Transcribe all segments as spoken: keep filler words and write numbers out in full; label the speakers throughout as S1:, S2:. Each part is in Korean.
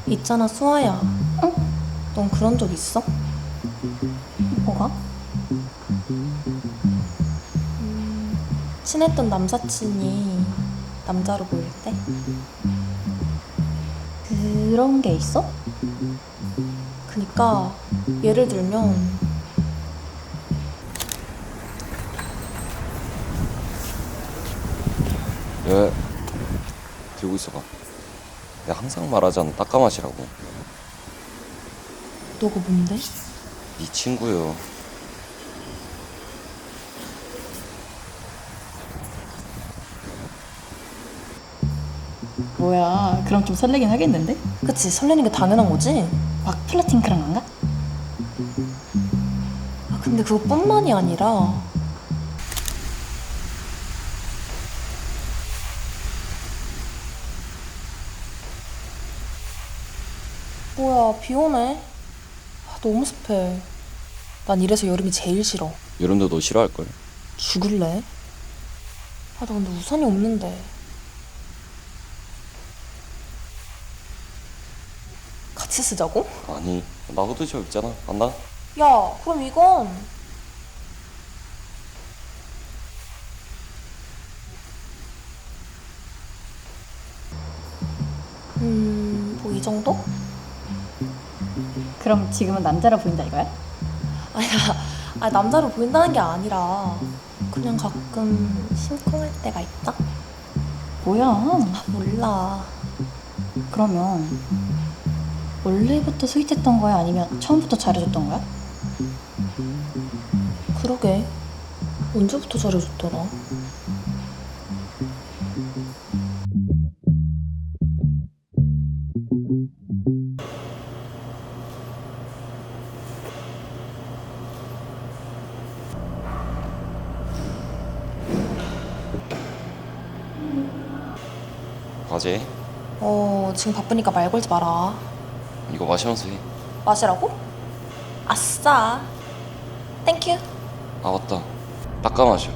S1: 있잖아, 수아야.
S2: 응?
S1: 넌 그런 적 있어?
S2: 뭐가?
S1: 음, 친했던 남사친이 남자로 보일 때?
S2: 그런 게 있어?
S1: 그니까 예를 들면
S3: 왜 들고 있어봐. 내가 항상 말하잖아, 딱까맛이라고.
S1: 너가 뭔데?
S3: 네 친구요.
S2: 뭐야, 그럼 좀 설레긴 하겠는데?
S1: 그치, 설레는 게 당연한 거지?
S2: 막 플러팅 그런 건가?
S1: 아, 근데 그것뿐만이 아니라 뭐야, 비 오네. 아, 너무 습해. 난 이래서 여름이 제일 싫어.
S3: 여름도 너 싫어할걸?
S1: 죽을래? 아, 나 근데 우산이 없는데. 같이 쓰자고?
S3: 아니, 나 후드셔 입잖아. 안 나?
S1: 야, 그럼 이건 음, 뭐 이 정도?
S2: 그럼 지금은 남자라 보인다 이거야?
S1: 아니야, 아 남자로 보인다는 게 아니라 그냥 가끔 심쿵할 때가 있다?
S2: 뭐야?
S1: 아, 몰라.
S2: 그러면 원래부터 스윗했던 거야? 아니면 처음부터 잘해줬던 거야?
S1: 그러게. 언제부터 잘해줬더라?
S3: 과제?
S1: 어, 지금 바쁘니까 말 걸지 마라.
S3: 이거 마시면서 해.
S1: 마시라고? 아싸. 땡큐.
S3: 아, 맞다. 딱까마셔.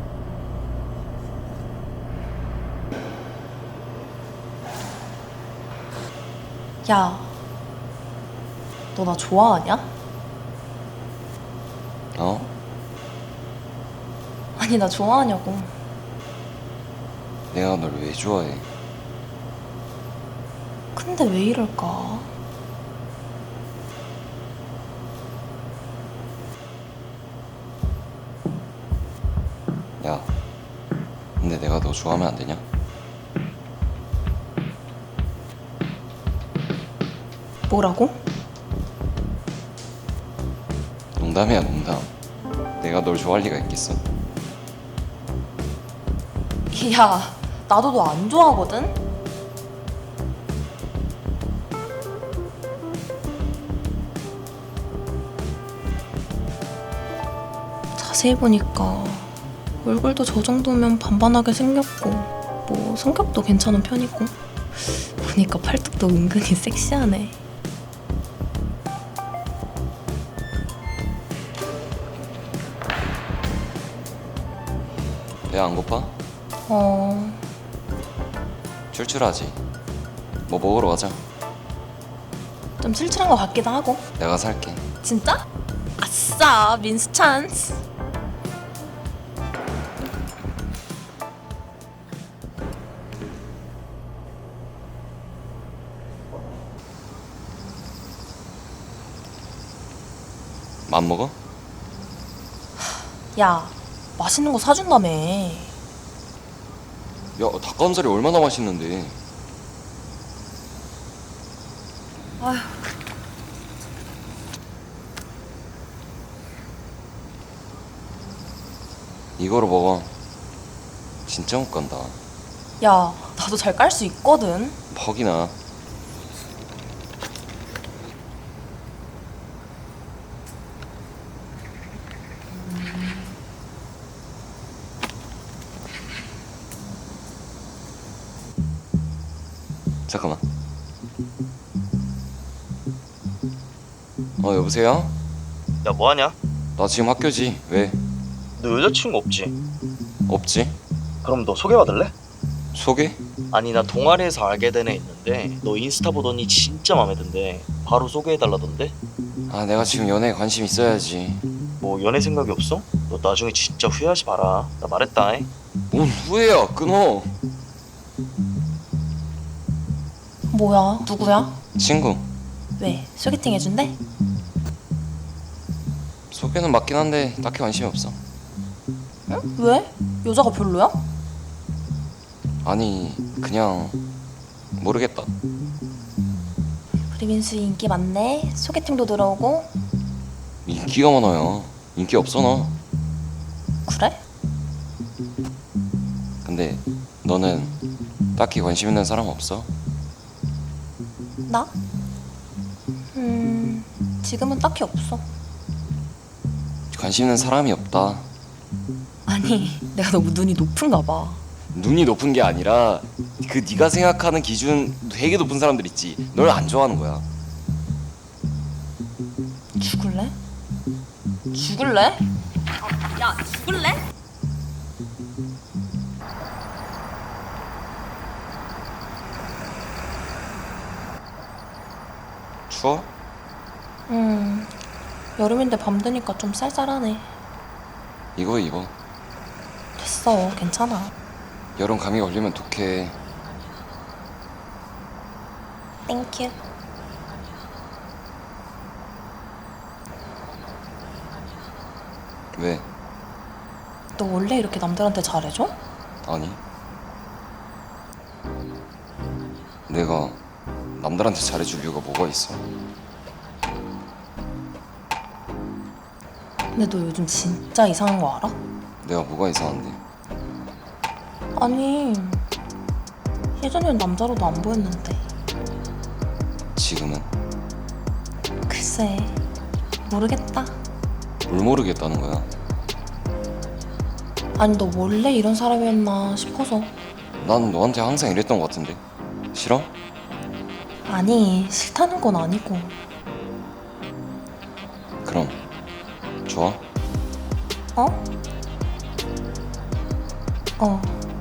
S1: 야, 너 나 좋아하냐?
S3: 어?
S1: 아니, 나 좋아하냐고.
S3: 내가 널 왜 좋아해?
S1: 근데 왜 이럴까?
S3: 야, 근데 내가 너 좋아하면 안 되냐?
S1: 뭐라고?
S3: 농담이야, 농담. 내가 널 좋아할 리가 있겠어?
S1: 야, 나도 너 안 좋아하거든? 자세히 보니까 얼굴도 저 정도면 반반하게 생겼고 뭐 성격도 괜찮은 편이고 보니까 팔뚝도 은근히 섹시하네.
S3: 배 안 고파?
S1: 어...
S3: 출출하지? 뭐 먹으러 가자.
S1: 좀 칠칠한 것 같기도 하고.
S3: 내가 살게.
S1: 진짜? 아싸, 민수 찬스.
S3: 맘 먹어?
S1: 야, 맛있는 거 사준다며.
S3: 야, 닭가슴살이 얼마나 맛있는데.
S1: 아휴.
S3: 이거로 먹어. 진짜 못 간다.
S1: 야, 나도 잘 깔 수 있거든.
S3: 퍽이나. 잠깐만. 어, 여보세요?
S4: 야, 뭐하냐?
S3: 나 지금 학교지. 왜?
S4: 너 여자친구 없지?
S3: 없지?
S4: 그럼 너 소개받을래?
S3: 소개?
S4: 아니 나 동아리에서 알게 된 애 있는데 너 인스타 보더니 진짜 마음에 든대. 바로 소개해달라던데?
S3: 아 내가 지금 연애에 관심 있어야지.
S4: 뭐 연애 생각이 없어? 너 나중에 진짜 후회하지 마라. 나 말했다. 잉?
S3: 뭔 후회야, 끊어.
S1: 뭐야? 누구야?
S3: 친구.
S1: 왜? 소개팅 해준대?
S3: 소개는 맞긴 한데 딱히 관심이 없어.
S1: 응? 왜? 여자가 별로야?
S3: 아니 그냥 모르겠다.
S1: 우리 민수 인기 많네. 소개팅도 들어오고.
S3: 인기가 많아요. 인기 없어 나.
S1: 그래?
S3: 근데 너는 딱히 관심 있는 사람 없어?
S1: 나? 음, 지금은 딱히 없어.
S3: 관심 있는 사람이 없다.
S1: 아니, 내가 너무 눈이 높은가 봐.
S3: 눈이 높은 게 아니라 그 네가 생각하는 기준 되게 높은 사람들 있지. 널 안 좋아하는 거야.
S1: 죽을래? 죽을래? 야, 죽을래?
S3: 추워?
S1: 음, 여름인데 밤 되니까 좀 쌀쌀하네.
S3: 이거 입어.
S1: 됐어, 괜찮아.
S3: 여름 감기 걸리면 독해.
S1: 땡큐.
S3: 왜?
S1: 너 원래 이렇게 남들한테 잘해줘?
S3: 아니. 내가 남들한테 잘해줄 이유가 뭐가 있어?
S1: 근데 너 요즘 진짜 이상한 거 알아?
S3: 내가 뭐가 이상한데?
S1: 아니, 예전엔 남자로도 안 보였는데.
S3: 지금은
S1: 글쎄, 모르겠다.
S3: 뭘 모르겠다는 거야.
S1: 아니, 너 원래 이런 사람이었나 싶어서.
S3: 난 너한테 항상 이랬던 것 같은데. 싫어?
S1: 아니, 싫다는 건 아니고.
S3: 그럼 좋아?
S1: 어? 어.